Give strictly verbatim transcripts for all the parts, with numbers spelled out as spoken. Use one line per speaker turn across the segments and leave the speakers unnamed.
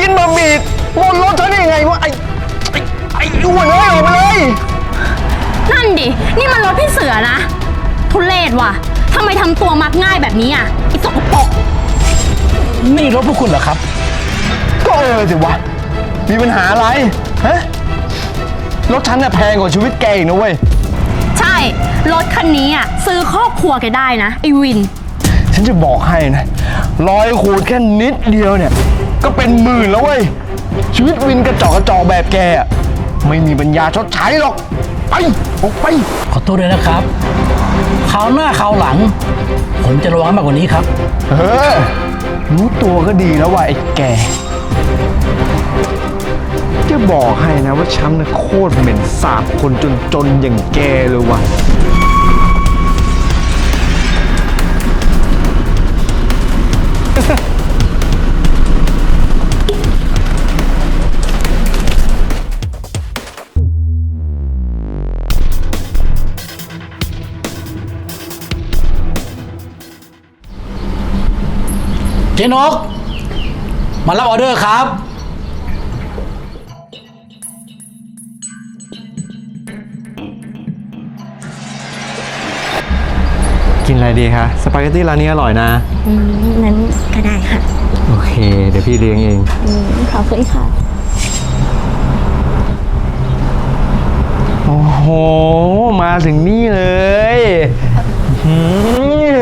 กินบะหมี่บนรถฉันได้ยังไงวะไอ้ไอ้ไอ้อ้วนเอ้ยออกมาเลย
นั่นดินี่มันรถพี่เสือนะทุเรศว่ะทำไมทำตัวมักง่ายแบบนี้อ่ะไอ้สกปรก
นี่รถพวกคุณเหรอครับ
ก็เออสิวะมีปัญหาอะไรฮะรถฉันน่ะแพงกว่าชีวิตแกอีกนะเว้ย
ใช่รถคันนี้อ่ะซื้อครอบครัวแกได้นะไอ้วิน
ฉันจะบอกให้นะรอยขูดแค่นิดเดียวเนี่ยก็เป็นหมื่นแล้วเว้ยชีวิตวินกระจอกกระจอกแบบแกอะไม่มีปัญญาชดใช้หรอกไปออกไป
ขอโทษด้วยนะครับคราวหน้าคราวหลัง ผมจะระวังมากกว่านี้ครับ
เออรู้ตัวก็ดีแล้วว่ะไอ้แกจะบอกให้นะว่าฉันน่ะโคตรเหม็นสาบคนจนๆอย่างแกเลยว่ะ
เจนกมารับออเดอร์ครับ
กินอะไรดีคะสปาเกตตี้ร้านนี้อร่อยนะ
อืมนั้นก็ได้ค่ะ
โอเค เดี๋ยวพี่เลี้ยงเอง
อืมขอบคุณค่ะ
โอ้โห มาถึงนี่เลยหืม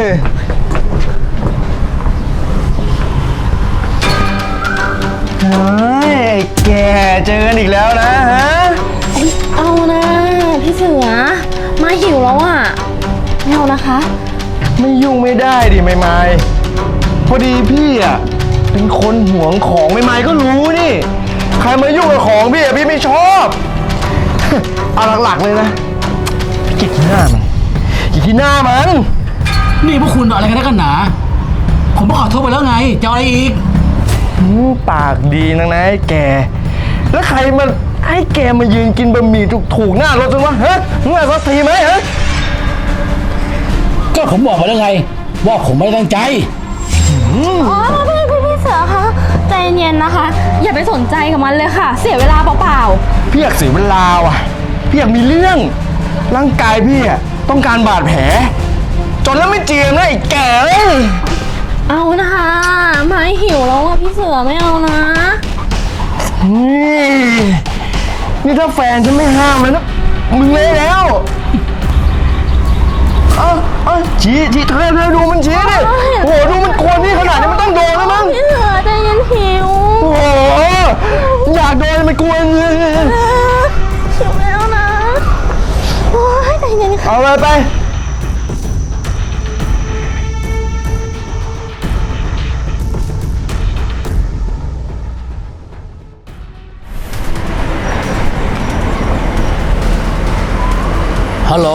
เฮ้ยไอ้แกเจอกันอีกแล้วนะฮะ
เอานะพี่เสือมาหิวแล้วอ่ะไม่เอานะคะ
ไม่ยุ่งไม่ได้ดิไม่ไม่พอดีพี่อ่ะเป็นคนหวงของไม่ไม่ก็รู้นี่ ใครมายุ่งกับของพี่อ่ะพี่ไม่ชอบ เอาหลักๆเลยนะพี่เกลียดขี้หน้ามันเกลียดขี้หน้ามัน
นี่พวกคุณอะไรกันนักกันหนา ผมก็ขอโทษไปแล้วไง จะเอาอะไรอีก
หืมปากดีนักนะไอ้แก แล้วใครมาให้แกมายืนกินบะหมี่ถูกๆหน้ารถจนวะฮะมึงอ่ะสักทีไหมฮะ
ก็ผมบอกไปแล้วไง ว่าผมไม่ได้ตั้งใจ
อ๋อพี่พี่พี่เสือคะใจเย็นนะคะ อย่าไปสนใจกับมันเลยค่ะ เสียเวลาเปล่า
พี่อยากเสียเวลาว่ะพี่อยากมีเรื่องร่างกายพี่อ่ะต้องการบาดแผลจนแล้วไม่เจียมนะไอ้แกเอ้ย
ๆเอานะคะมาหิวแล้วอ่ะพี่เสือไม่เอานะ
นี่นี่ถ้าแฟนฉันไม่ห้ามเลยนะมึงเลยแล้วเอ้าเอ้าชี้ชี้เธอเธอดูมันชี้ดิโอ้โหดูมันกวนพี่ขนาดนี้มันต้องโดนแล้วมั้ง
พี่เสือใจเย็นหิว
โอ้โหอยากโดนมันกวนเลย
หิวแล้วนะโอ้ยใจเย็นค่ะ
เอาไปไป
ฮัลโหล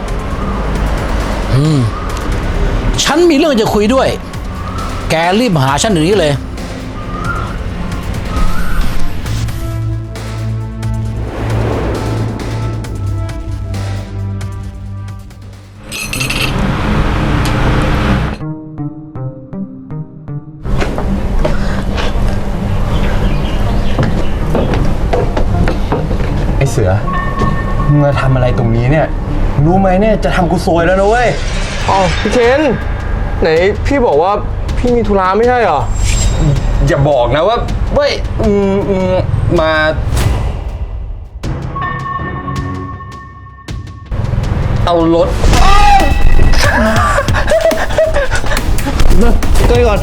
อืม ฉันมีเรื่องจะคุยด้วย แกรีบมาหาฉันเดี๋ยวนี้เลย
ไอเสือมึงมาทำอะไรตรงนี้เนี่ยรู้ไหมเนี่ยจะทำกูซวยแล้วนะเว้ยอ๋อพี่เคนไหนพี่บอกว่าพี่มีธุระไม่ใช่เหรออย่าบอกนะว่าเว้ยอืมอืมมาเอารถตัวก่อน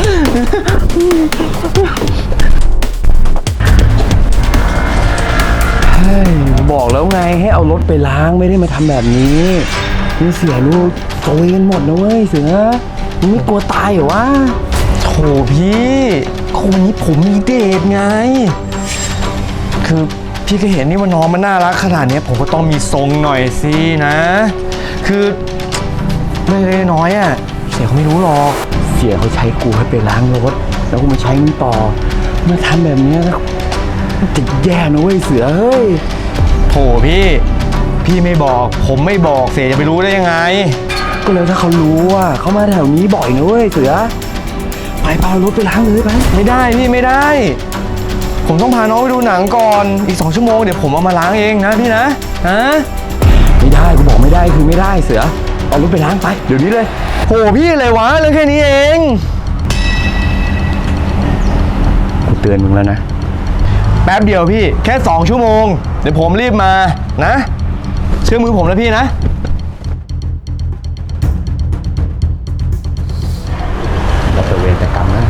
เฮ้ยบอกแล้วไงให้เอารถไปล้างไม่ได้มาทำแบบนี้นี่เสียลูกโซยกันหมดนะเว้ยเสือมึงไม่กลัวตายเหรอวะโถพี่ก็วันนี้ผมมีเดทไงคือพี่ก็เห็นนี่ว่าน้องมันน่ารักขนาดนี้ผมก็ต้องมีทรงหน่อยสินะ คือไม่เล็กน้อยอ่ะเสียเขาไม่รู้หรอกเสียเขาใช้กูให้ไปล้างรถแล้วกูมาใช้มึงต่อเมื่อทำแบบนี้แล้วจะแย่นะเว้ยเสือเฮ้ยโถพี่พี่ไม่บอกผมไม่บอกเสียจะไปรู้ได้ยังไงก็เลยถ้าเขารู้ว่าเขามาแถวนี้บ่อยนะเว้ยเสือไปพารถไปล้างเลยไปไม่ได้พี่ไม่ได้ผมต้องพาน้องไปดูหนังก่อนอีกสองชั่วโมงเดี๋ยวผมเอามาล้างเองนะพี่นะฮะไม่ได้กูบอกไม่ได้คือไม่ได้เสือเอารถไปล้างไปเดี๋ยวนี้เลยโหพี่อะไรวะเรื่องแค่นี้เองกูเตือนมึงแล้วนะแป๊บเดียวพี่แค่สองชั่วโมงเดี๋ยวผมรีบมานะเชื่อมือผมนะพี่นะเราจะเวรกรรมนะ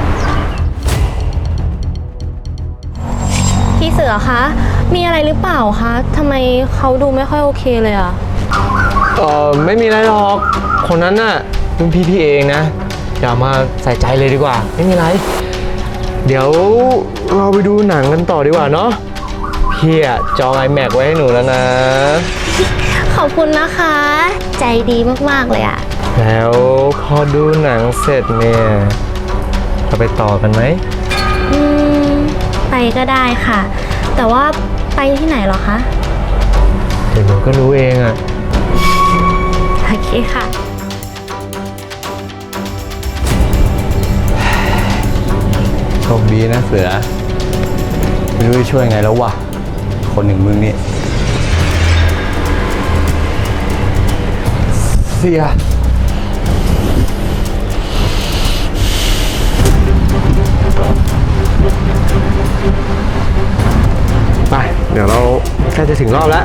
พี่เสือคะ มีอะไรหรือเปล่าคะทำไมเขาดูไม่ค่อยโอเคเลยอะ
เออไม่มีอะไรหรอกคนนั้นน่ะรุ่นพี่พี่เองนะอย่ามาใส่ใจเลยดีกว่าไม่มีอะไรเดี๋ยวเราไปดูหนังกันต่อดีกว่าเนาะพี่อะจอง ไอแม็กซ์ ไว้ให้หนูแล้วนะ
ขอบคุณนะคะ ใจดีมากๆเลยอะ
แล้วพอดูหนังเสร็จเนี่ยเราไปต่อกันไหม
อืมไปก็ได้ค่ะ แต่ว่าไปที่ไหนเหรอคะ
เดี๋ยวหนูก็รู้เองอะ
โอเคค่ะ
โชคดีนะเสือไม่รู้จะช่วยไงแล้ววะคนหนึ่งมึงนี่เสีย
ไปเดี๋ยวเราใกล้จะถึงรอบแล้ว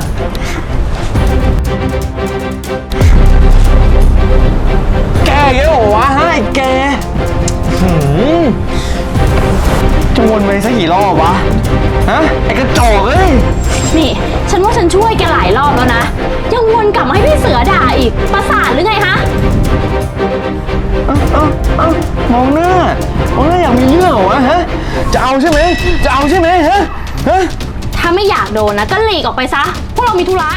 แกเยอะวะให้แกจะวนไปสักกี่รอบวะฮะไอ้กระจอกเอ้ย
นี่ ฉันว่าฉันช่วยแกหลายรอบแล้วนะ ยังวนกลับมาให้พี่เสือด่าอีก ประสาทหรือไงฮะ
เอ้าเอ้าเอ้ามองหน้ามองหน้าอยากมีเรื่องเหรอวะฮะจะเอาใช่ไหมจะเอาใช่ไหมฮะฮะ
ถ้าไม่อยากโดนนะก็หลีกออกไปซะ พวกเรามีธุระ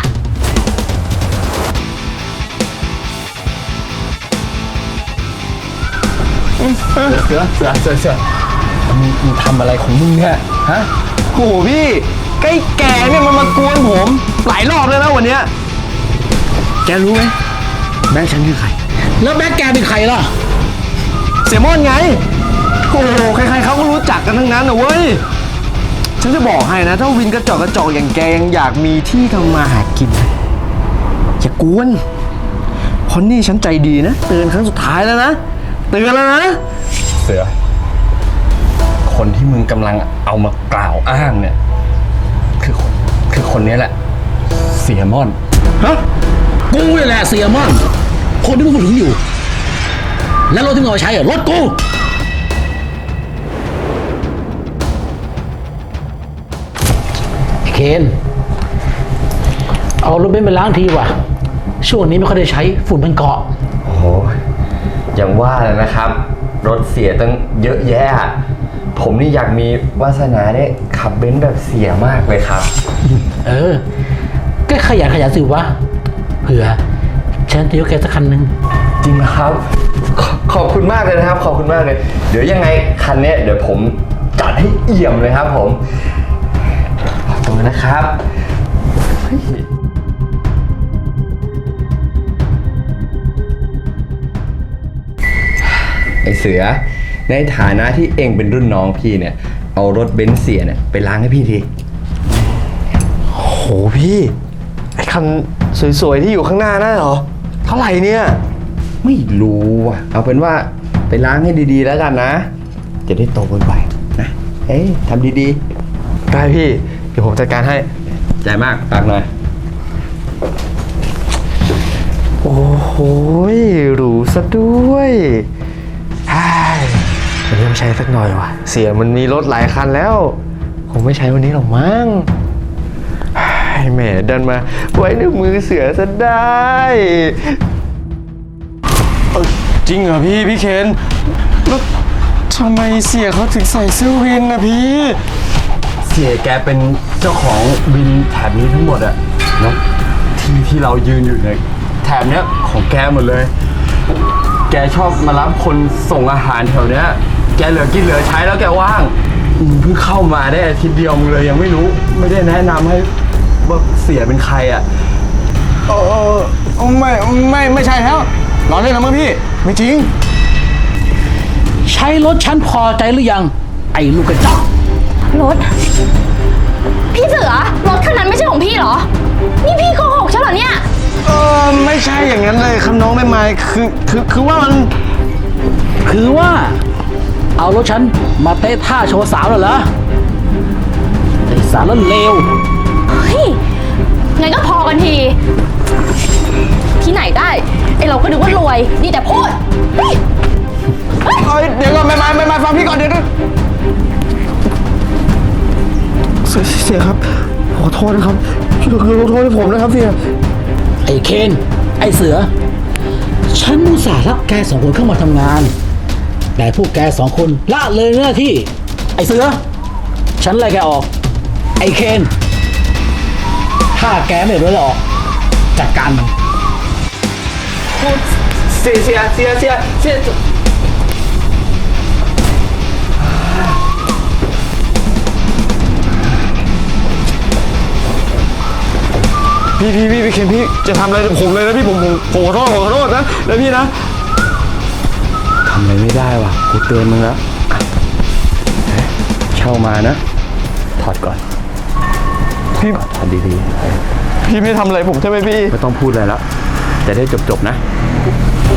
เสือเสือเสือเสือมึงมึงทำอะไรของมึงเนี่ยฮะโหพี่ใกล้แก่เนี่ยมันมากวนผมหลายรอบแล้วนะวันเนี้ยแกรู้ไหมแม่ฉันคือใคร
แล้วแบ็คแกเป็นใครล่ะ
เสียมอนไงโอ้โหใครๆเขาก็รู้จักกันทั้งนั้นนะเว้ยฉันจะบอกให้นะถ้าวินกระจอกกระจอกอย่างแกยังอยากมีที่ทำมาหากินนะอย่ากวนเพราะนี่ฉันใจดีนะเตือนครั้งสุดท้ายแล้วนะเตือนแล้วนะเสือคนที่มึงกำลังเอามากล่าวอ้างเนี่ยคือคือคนนี้แหละเสียมอน
ฮะ กูนี่แหละเสียมั่นคนที่มึงพูดถึงอยู่ แล้วรถที่มึงเอาไปใช้อะรถกู เคน เอารถเบนซ์ไปล้างทีว่ะ ช่วงนี้ไม่ค่อยได้ใช้ฝุ่นมันเกาะ
โอ้โหอย่างว่าเลยนะครับ รถเสียตั้งเยอะแยะ ผมนี่อยากมีวาสนาได้ขับเบนซ์แบบเสียมากเลยครับ
เออ ก็ขยันขยันสิวะ เผื่อฉันจะยกแกสักคันหนึ่ง
จริงนะครับขอขอบคุณมากเลยนะครับ ขอบคุณมากเลย เดี๋ยวยังไงคันเนี้ยเดี๋ยวผมจัดให้เอี่ยมเลยครับผมขอบคุณนะครับเฮ้ยไอเสือในฐานะที่เองเป็นรุ่นน้องพี่เนี่ยเอารถเบนซ์เสียเนี่ยไปล้างให้พี่ทีโหพี่ไอคันสวยๆที่อยู่ข้างหน้านั่นเหรอเท่าไหร่เนี่ยไม่รู้อ่ะเอาเป็นว่าไปล้างให้ดีๆแล้วกันนะจะได้โตไวๆนะเอ้ยทำดีๆได้พี่เดี๋ยวผมจัดการให้ใจมากฝากหน่อยโอ้โหหรูซะด้วยฮ่ายวันนี้ไม่ใช้สักหน่อยว่ะเสียมันมีรถหลายคันแล้วคงไม่ใช้วันนี้หรอกมั้งฮ่ายแหมดันมาไว้ในมือเสือซะได้เอ้ยจริงเหรอพี่พี่เคนแล้วทำไมเสียเขาถึงใส่เสื้อวินนะพี่เสียแกเป็นเจ้าของวินแถบนี้ทั้งหมดอะแล้วที่ที่เรายืนอยู่เนี่ยแถบเนี้ยของแกหมดเลย แกชอบมารับคนส่งอาหารแถวเนี้ย แกเหลือกินเหลือใช้แล้วแกว่างอืมเพิ่งเข้ามาได้อาทิตย์เดียวมึงเลยยังไม่รู้ ไม่ได้แนะนำให้ว่าเสียเป็นใครอ่ะเออไม่ไม่ไม่ใช่แล้วล้อเล่นนะมั้งพี่ ไม่จริง
ใช้รถฉันพอใจหรือยัง ไอ้ลูกกระจอก
รถ พี่เสือ รถคันนั้นไม่ใช่ของพี่เหรอ นี่พี่โกหกใช่เหรอเนี่ย
เออไม่ใช่อย่างนั้นเลยครับน้องไม่ไม้คือคือคือว่ามัน
คือว่า เอารถฉันมาเตะท่าโชว์สาวเหรอไอ้สารเลว
เฮ้ย งั้นก็พอกันที ที่ไหนได้ ไอเราก็นึกว่ารวย ดีแต่พูด เฮ้ย
เอ้ยเดี๋ยวก่อนไม่ไม้ไม่ไม้ฟังพี่ก่อนเดี๋ยวนะเสียเสียครับขอโทษนะครับช่วยขอโทษให้ผมนะครับเสีย
ไอ้เคน ไอ้เสือ ฉันอุตส่าห์รับแกสองคนเข้ามาทำงาน แต่พวกแกสองคนละเลยหน้าที่ ไอ้เสือ ฉันไล่แกออก ไอ้เคน ถ้าแกไม่รู้ออก จัดการมัน
เสียเสียเสียเสียเสีย พี่พี่พี่พี่เคนพี่จะทำอะไรกับผมเลยนะพี่ผมผมผมขอโทษผมขอโทษนะแล้วพี่นะทำอะไรไม่ได้ว่ะกูเตือนมึงแล้วอ่ะเอ๊ะเช่ามานะถอดก่อนพี่ถอดดีๆพี่ไม่ทำอะไรผมใช่ไหมพี่ไม่ต้องพูดอะไรแล้วจะได้จบๆนะ